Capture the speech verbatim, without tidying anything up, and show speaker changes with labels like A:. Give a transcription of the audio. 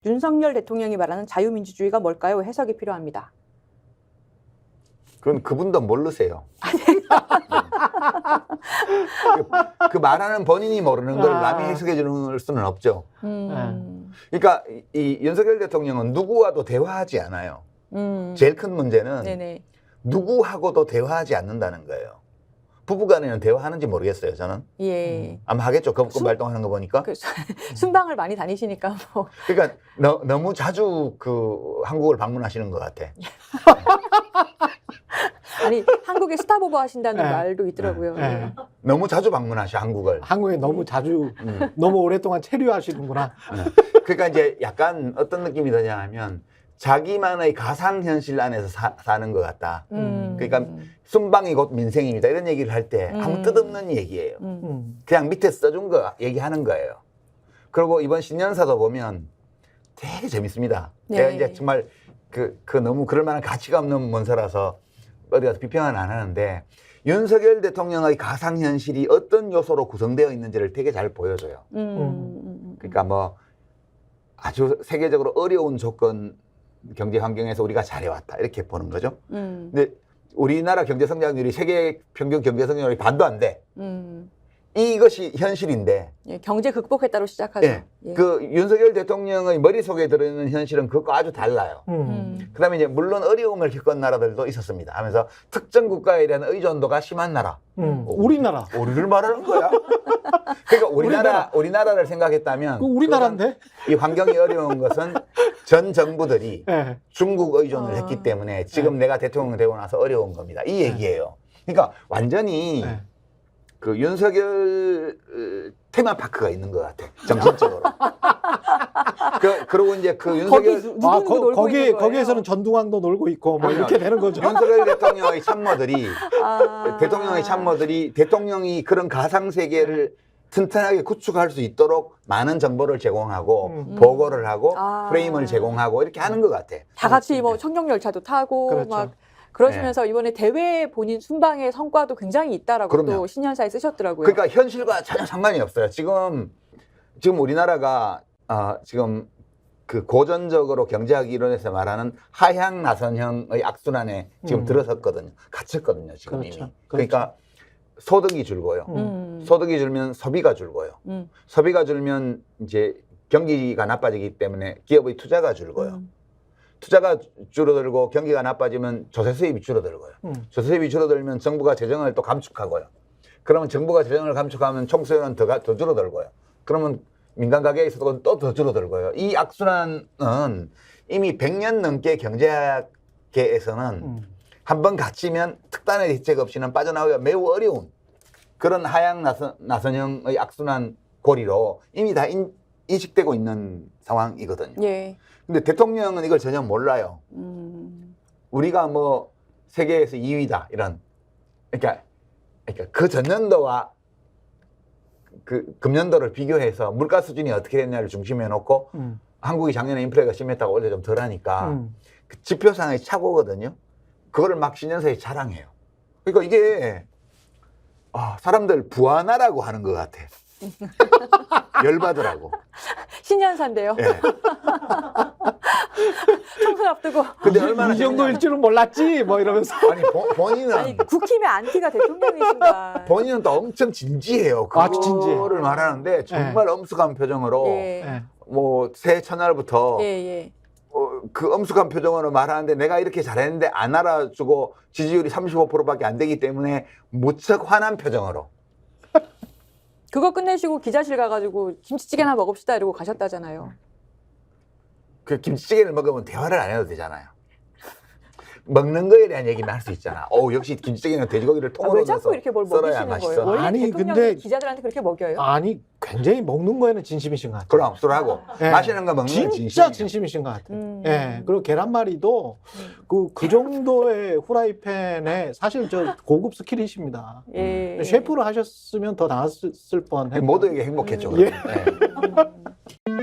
A: 윤석열 대통령이 말하는 자유민주주의가 뭘까요? 해석이 필요합니다.
B: 그건 그분도 모르세요. 그, 그 말하는 본인이 모르는 걸
C: 아.
B: 남이 해석해 주는 수는 없죠.
A: 음.
B: 그러니까 이, 이 윤석열 대통령은 누구와도 대화하지 않아요.
A: 음.
B: 제일 큰 문제는
A: 네네.
B: 누구하고도 대화하지 않는다는 거예요. 부부간에는 대화하는지 모르겠어요, 저는.
A: 예.
B: 아마 하겠죠. 거부권
A: 순-
B: 발동하는 거 보니까.
A: 그, 순방을 많이 다니시니까 뭐.
B: 그러니까 너, 너무 자주 그 한국을 방문하시는 것 같아.
A: 아니 한국에 스타보버 하신다는
C: 네.
A: 말도 있더라고요.
C: 네.
A: 네.
B: 너무 자주 방문하셔, 한국을.
C: 한국에 너무 자주
B: 음.
C: 너무 오랫동안 체류하시는구나.
B: 그러니까 이제 약간 어떤 느낌이 드냐 하면 자기만의 가상현실 안에서 사, 사는 것 같다.
A: 음.
B: 그러니까 순방이 곧 민생입니다. 이런 얘기를 할 때 아무
A: 음.
B: 뜻없는 얘기예요.
A: 음.
C: 음.
B: 그냥 밑에 써준 거 얘기하는 거예요. 그리고 이번 신년사도 보면 되게 재밌습니다.
A: 네.
B: 제가 이제 정말 그, 그 너무 그럴 만한 가치가 없는 문서라서 어디 가서 비평은 안 하는데 윤석열 대통령의 가상현실이 어떤 요소로 구성되어 있는지를 되게 잘 보여줘요.
A: 음. 음.
B: 그러니까 뭐 아주 세계적으로 어려운 조건 경제 환경에서 우리가 잘해왔다 이렇게 보는 거죠.
A: 음.
B: 근데 우리나라 경제 성장률이 세계 평균 경제 성장률이 반도 안 돼.
A: 음.
B: 이것이 현실인데
A: 예, 경제 극복했다로 시작하죠.
B: 예.
A: 예.
B: 그 윤석열 대통령의 머릿속에 들어있는 현실은 그것과 아주 달라요.
C: 음.
A: 음.
B: 그다음에 이제 물론 어려움을 겪은 나라들도 있었습니다. 하면서 특정 국가에 대한 의존도가 심한 나라.
C: 음. 우리나라.
B: 우리를 말하는 거야. 그러니까 우리나라 우리나라를 생각했다면
C: 그 우리나라인데?
B: 이 환경이 어려운 것은 전 정부들이
C: 예.
B: 중국 의존을
A: 아.
B: 했기 때문에 지금 내가 대통령 되고 나서 어려운 겁니다. 이 얘기예요. 그러니까 완전히
C: 네.
B: 그 윤석열 어, 테마파크가 있는 것 같아. 정신적으로. 그, 그리고 이제 그
A: 거기
B: 윤석열
A: 누구
C: 아,
A: 누구
C: 거,
A: 놀고
C: 거기
A: 있는 거예요?
C: 거기에서는 전두광도 놀고 있고 뭐
B: 아니요.
C: 이렇게 되는 거죠.
B: 윤석열 대통령의 참모들이
A: 아.
B: 대통령의 참모들이 대통령이 그런 가상 세계를 튼튼하게 구축할 수 있도록 많은 정보를 제공하고
C: 음.
B: 보고를 하고
A: 아.
B: 프레임을 제공하고 이렇게 하는 것 같아.
A: 다 같이 뭐 청룡열차도 타고
C: 그렇죠.
A: 막 그러시면서 이번에 대외 본인 순방의 성과도 굉장히 있다라고
B: 그럼요.
A: 또 신년사에 쓰셨더라고요.
B: 그러니까 현실과 전혀 상관이 없어요. 지금 지금 우리나라가 어, 지금 그 고전적으로 경제학 이론에서 말하는 하향 나선형의 악순환에 지금
C: 음.
B: 들어섰거든요. 갇혔거든요. 지금
C: 그렇죠.
B: 이미.
C: 그렇죠.
B: 그러니까 소득이 줄고요.
C: 음.
A: 음.
B: 소득이 줄면 소비가 줄고요.
A: 음.
B: 소비가 줄면 이제 경기가 나빠지기 때문에 기업의 투자가 줄고요.
A: 음.
B: 투자가 줄어들고 경기가 나빠지면 조세 수입이 줄어들고요.
C: 음.
B: 조세 수입이 줄어들면 정부가 재정을 또 감축하고요. 그러면 정부가 재정을 감축하면 총수요는 더, 가- 더 줄어들고요. 그러면 민간 가계의 소득은 또 더 줄어들고요. 이 악순환은 이미 백 년 넘게 경제학계에서는
C: 음.
B: 한번 갇히면 특단의 대책 없이는 빠져나오기가 매우 어려운 그런 하향 나선, 나선형의 악순환 고리로 이미 다 인, 인식되고 있는 상황이거든요.
A: 예.
B: 근데 대통령은 이걸 전혀 몰라요.
A: 음.
B: 우리가 뭐 세계에서 이 위다 이런 그러니까 그러니까 그 전년도와 그 금년도를 비교해서 물가 수준이 어떻게 됐냐를 중심에 놓고
C: 음.
B: 한국이 작년에 인플레가 심했다고 원래 좀 덜하니까
C: 음.
B: 그 지표상의 착오거든요. 그거를 막 신년사에 자랑해요. 그러니까 이게 아, 사람들 부하나라고 하는 것 같아. 열받으라고.
A: 신년사인데요.
B: 예.
A: 총선 앞두고
B: 근데
C: 이,
B: 얼마나
C: 이 정도일 줄은 몰랐지 뭐 이러면서.
B: 아니 본- 본인은
A: 아니 국힘의 안티가 대통령이신가.
B: 본인은 또 엄청 진지해요.
C: 아, 진지해.
B: 그거를 말하는데 정말 엄숙한 표정으로
A: 예.
C: 예.
B: 뭐 새해 첫날부터
A: 예, 예.
B: 어, 그 엄숙한 표정으로 말하는데 내가 이렇게 잘했는데 안 알아주고 지지율이 삼십오 퍼센트밖에 안 되기 때문에 무척 화난 표정으로.
A: 그거 끝내시고 기자실 가가지고 김치찌개나 먹읍시다 이러고 가셨다잖아요.
B: 그 김치찌개를 먹으면 대화를 안 해도 되잖아요. 먹는 거에 대한 얘기는 할 수 있잖아. 오, 역시 김치찌개는 돼지고기를
A: 아,
B: 통으로
A: 왜 자꾸
B: 넣어서
A: 이렇게 뭘
B: 썰어야
A: 먹이시는
B: 맛있어.
A: 거예요? 원래
C: 아니,
A: 대통령이
C: 근데-
A: 기자들한테 그렇게 먹여요?
C: 아니 굉장히 먹는 거에는 진심이신 것 같아요.
B: 그럼 술하고
C: 예.
B: 마시는 거 먹는 건
C: 진짜
B: 진심이야.
C: 진심이신 것 같아요.
A: 음.
C: 예. 그리고 계란말이도
A: 음.
C: 그, 그 정도의 후라이팬에 사실 저 고급 스킬이십니다.
A: 예.
C: 셰프를 하셨으면 더 나았을 뻔.
B: 모두에게 행복했죠.
C: 예.
B: 그러면. 예.
A: 음.